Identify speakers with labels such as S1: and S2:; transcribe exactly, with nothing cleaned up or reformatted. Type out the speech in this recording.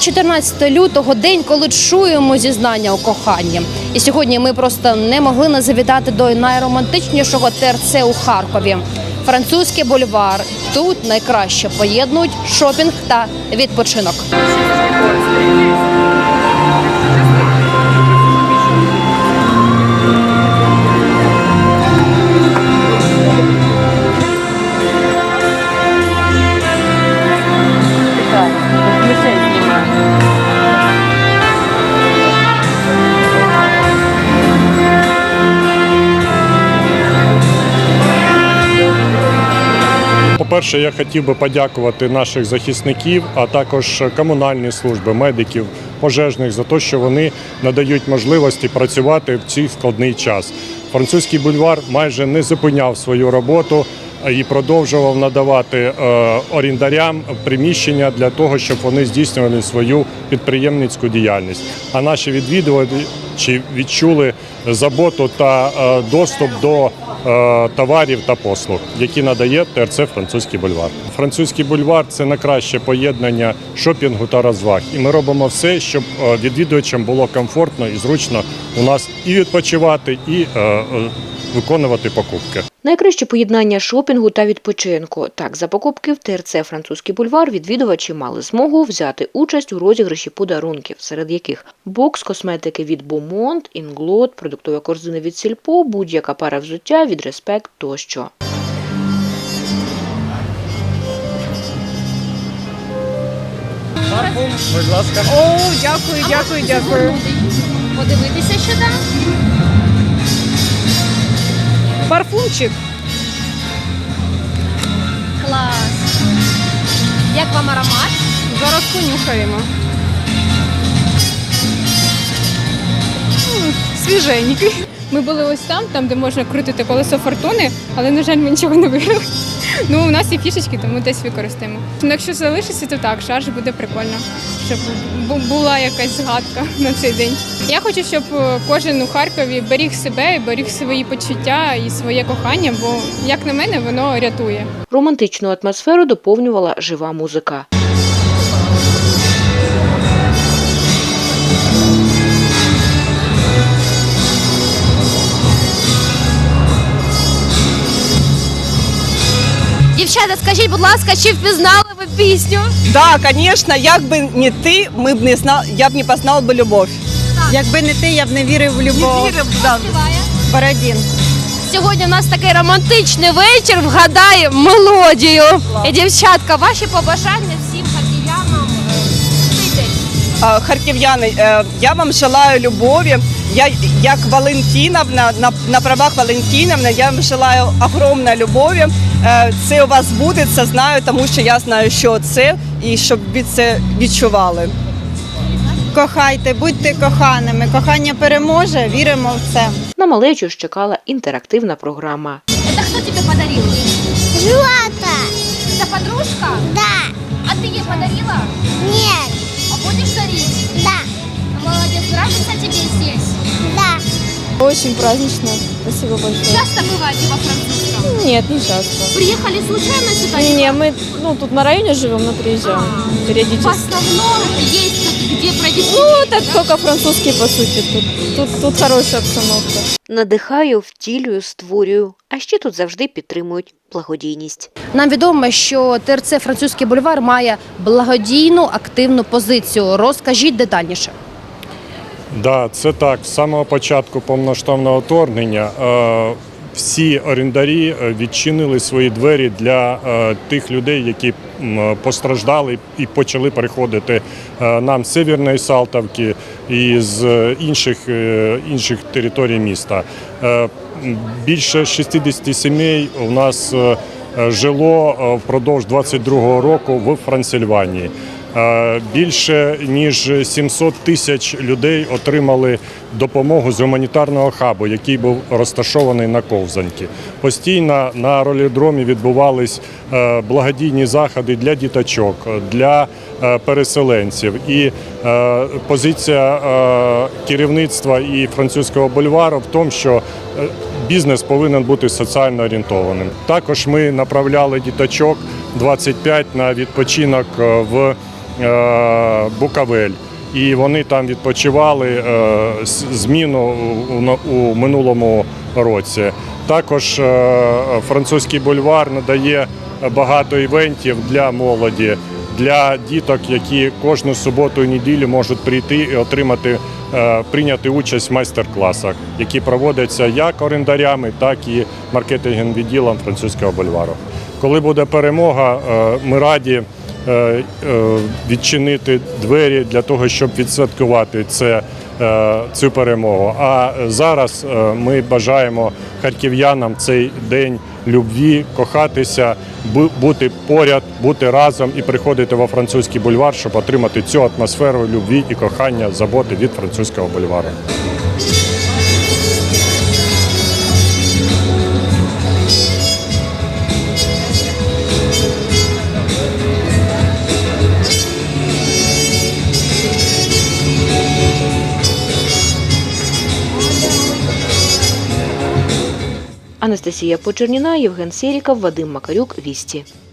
S1: чотирнадцяте лютого – день, коли чуємо зізнання у коханні. І сьогодні ми просто не могли не завітати до найромантичнішого ТРЦ у Харкові. Французький бульвар. Тут найкраще поєднують шопінг та відпочинок.
S2: По-перше, я хотів би подякувати наших захисників, а також комунальні служби, медиків, пожежних за те, що вони надають можливості працювати в цей складний час. Французький бульвар майже не зупиняв свою роботу і продовжував надавати орендарям приміщення для того, щоб вони здійснювали свою підприємницьку діяльність. А наші відвідувачі відчули заботу та доступ до товарів та послуг, які надає ТРЦ «Французький бульвар». Французький бульвар – це найкраще поєднання шопінгу та розваг. І ми робимо все, щоб відвідувачам було комфортно і зручно у нас і відпочивати, і виконувати покупки.
S3: Найкраще поєднання шопінгу та відпочинку. Так, за покупки в ТРЦ «Французький бульвар» відвідувачі мали змогу взяти участь у розіграші подарунків, серед яких бокс косметики від Beaumont, Інглот, продуктова корзина від Сільпо, будь-яка пара взуття від Респект тощо.
S2: Парфум, будь ласка.
S4: О, дякую, дякую, дякую.
S1: Подивитися, що там.
S4: Парфумчик.
S1: Клас. Як вам аромат?
S4: Зараз понюхаємо. М, Свіженький. Ми були ось там, там, де можна крутити колесо фортуни, але, на жаль, ми нічого не виграли. Ну, у нас є фішечки, тому десь використаємо. Ну, якщо залишиться, то так, шарж буде прикольно, щоб була якась згадка на цей день. Я хочу, щоб кожен у Харкові беріг себе, беріг свої почуття і своє кохання, бо, як на мене, воно рятує.
S3: Романтичну атмосферу доповнювала жива музика.
S1: Дівчата, скажіть, будь ласка, чи впізнали ви пісню?
S5: Да, конечно, як би не ти, ми б не знали, я б не познав би любов.
S6: Якби не ти, я б не вірив в любов.
S5: Не вірив, да.
S1: Співає.
S6: Бородін.
S1: Сьогодні у нас такий романтичний вечір, вгадай мелодію. І, дівчатка, ваші побажання всім харків'янам в цей день.
S5: А, Харків'яни, е, я вам желаю любові. Я, як Валентиновна, на, на правах Валентиновни, я вам желаю огромної любові. Е, Це у вас буде, це знаю, тому що я знаю, що це, і щоб ви це відчували.
S6: Кохайте, будьте коханими. Кохання переможе, віримо в це.
S3: На малечу ж чекала інтерактивна програма.
S1: Это кто тебе подарил?
S7: Злата.
S1: Это подружка?
S7: Да.
S1: А ты ей подарила?
S7: Нет.
S1: А будешь дарить?
S7: Да.
S1: Молодец, нравится тебе здесь?
S7: Да.
S4: Очень празднично. Спасибо большое.
S1: Часто бываете во французском?
S4: Нет, не часто.
S1: Приехали случайно сюда?
S4: Не, мы ну, тут на районе живем, но приезжаем
S1: В
S4: периодически.
S1: основном есть тут где провести
S4: Ну,
S1: время,
S4: так
S1: да?
S4: только французский, по сути. Тут, тут, тут хорошая обстановка.
S3: Надихаю, втілюю, створюю, а ще тут завжди підтримують благодійність.
S1: Нам відомо, що ТРЦ «Французький бульвар» має благодійну активну позицію. Розкажіть детальніше.
S2: Да, це так. З самого початку повномасштабного вторгнення е, всі орендарі відчинили свої двері для е, тих людей, які м, постраждали і почали приходити е, нам з Северної Салтовки і з інших, е, інших територій міста. Е, більше шістдесят сімей у нас е, жило впродовж двадцять другого року в Франсильванії. Більше ніж сімсот тисяч людей отримали допомогу з гуманітарного хабу, який був розташований на Ковзанці. Постійно на ролідромі відбувались благодійні заходи для діточок, для переселенців. І позиція керівництва і французького бульвару в тому, що бізнес повинен бути соціально орієнтованим. Також ми направляли діточок двадцять п'ять на відпочинок в е, Букавель. І вони там відпочивали е, з- зміну у, у минулому році. Також е, французький бульвар надає багато івентів для молоді, для діток, які кожну суботу і неділю можуть прийти і отримати, е, прийняти участь в майстер-класах, які проводяться як орендарями, так і маркетинговим відділом французького бульвару. Коли буде перемога, е, ми раді е, е, відчинити двері для того, щоб відсвяткувати це, е, цю перемогу. А зараз е, ми бажаємо харків'янам цей день любві, кохатися, бу- бути поряд, бути разом і приходити во французький бульвар, щоб отримати цю атмосферу любві і кохання, заботи від французького бульвару.
S3: Анастасія Почерніна, Євген Сєріков, Вадим Макарюк, Вісті.